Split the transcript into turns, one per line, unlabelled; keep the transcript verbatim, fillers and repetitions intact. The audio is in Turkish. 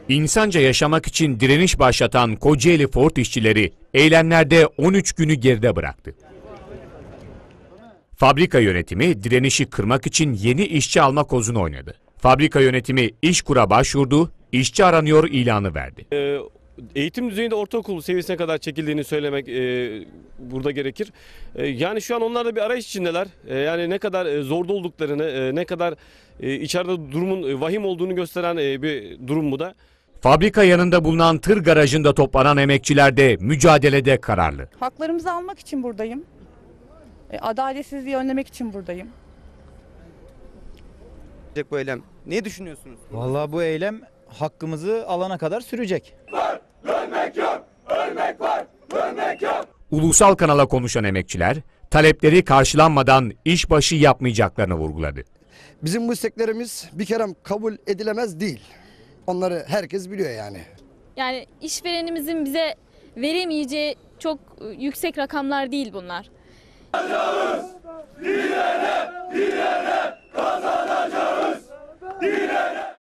İnsanca yaşamak için direniş başlatan Kocaeli Ford işçileri eylemlerde on üç günü geride bıraktı. Fabrika yönetimi direnişi kırmak için yeni işçi alma kozunu oynadı. Fabrika yönetimi İşkur'a başvurdu, işçi aranıyor ilanı verdi.
Ee, eğitim düzeyinde ortaokul seviyesine kadar çekildiğini söylemek e, burada gerekir. E, yani şu an onlar da bir arayış içindeler. E, yani ne kadar e, zorda olduklarını, e, ne kadar e, içeride durumun e, vahim olduğunu gösteren e, bir durum bu da.
Fabrika yanında bulunan tır garajında toplanan emekçiler de mücadelede kararlı.
Haklarımızı almak için buradayım. Adaletsizliği önlemek için buradayım.
Bu eylem. Ne düşünüyorsunuz?
Vallahi bu eylem hakkımızı alana kadar sürecek.
Var, ölmek yok, ölmek var, ölmek yok.
Ulusal kanala konuşan emekçiler, talepleri karşılanmadan işbaşı yapmayacaklarını vurguladı.
Bizim bu isteklerimiz bir kere kabul edilemez değil. Onları herkes biliyor yani.
Yani işverenimizin bize veremeyeceği çok yüksek rakamlar değil bunlar.
Dilerim.